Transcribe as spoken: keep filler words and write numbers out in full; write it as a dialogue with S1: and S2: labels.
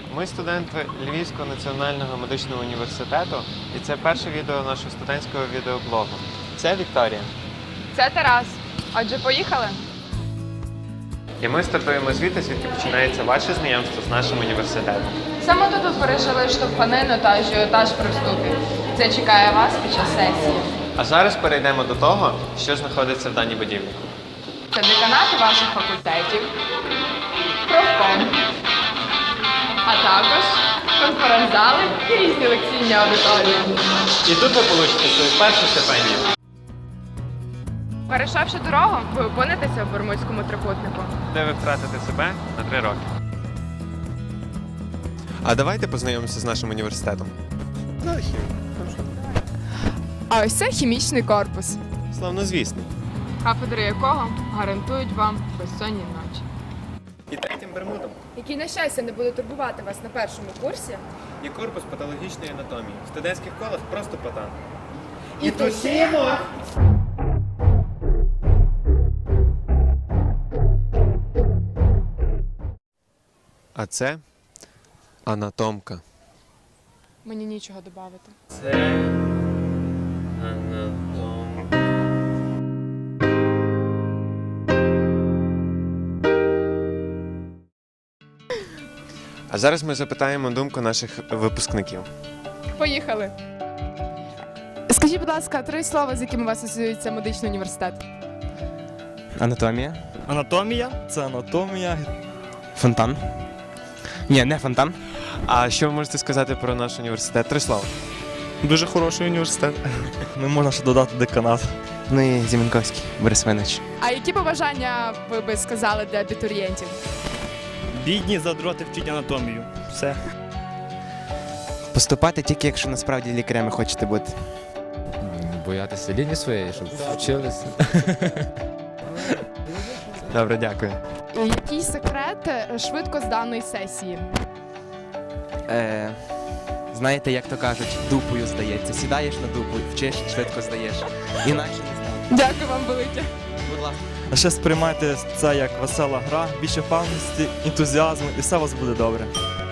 S1: Ми студенти Львівського національного медичного університету, і це перше відео нашого студентського відеоблогу. Це Вікторія.
S2: Це Тарас. Отже, поїхали?
S1: І ми стартуємо звідти, звідки починається ваше знайомство з нашим університетом.
S2: Саме тут ви пережили штовханину та ажіотаж при вступі. Це чекає вас під час сесії.
S1: А зараз перейдемо до того, що знаходиться в даній будівлі.
S2: Це деканати ваших факультетів, профком, а також конференц-зали і різні лекційні аудиторії.
S1: І тут ви получите свою першу стипендію.
S2: Перейшовши дорогу, ви опинитеся в Бермудському трикутнику.
S1: Де ви втратите себе на три роки. А давайте познайомимося з нашим університетом.
S2: А ось це хімічний корпус,
S1: Славнозвісний.
S2: кафедри якого гарантують вам безсонні ночі.
S1: І третім Бермудом
S2: Які, на щастя, не будуть турбувати вас на першому курсі.
S1: є корпус патологічної анатомії. В студентських колах просто патан.
S2: І тусімо!
S1: А це анатомка.
S2: Мені нічого додати.
S1: Це анатомка. А зараз ми запитаємо думку наших випускників.
S2: Поїхали! Скажіть, будь ласка, три слова, з якими у вас асоціюється медичний університет.
S3: Анатомія.
S4: Анатомія це анатомія.
S3: Фонтан. Ні, не фонтан.
S1: А що ви можете сказати про наш університет? Три слова.
S4: Дуже хороший університет. Не можна ще додати деканат.
S3: Ну і Зіменковський, Борис Винич.
S2: А які побажання ви би сказали для абітурієнтів?
S4: Бідні задроти вчить анатомію. Все.
S3: Поступати тільки, якщо насправді лікарями хочете бути.
S5: Боятися лінії своєї, щоб вчилися.
S1: Добре, дякую.
S2: Який секрет швидко зданої сесії?
S3: Е, знаєте, як то кажуть, дупою здається. Сідаєш на дупу, вчиш, швидко здаєш. Інакше не знаю.
S2: Дякую вам велике.
S3: Будь ласка.
S4: А ще сприймайте це як весела гра, більше впевненості, ентузіазму і все у вас буде добре.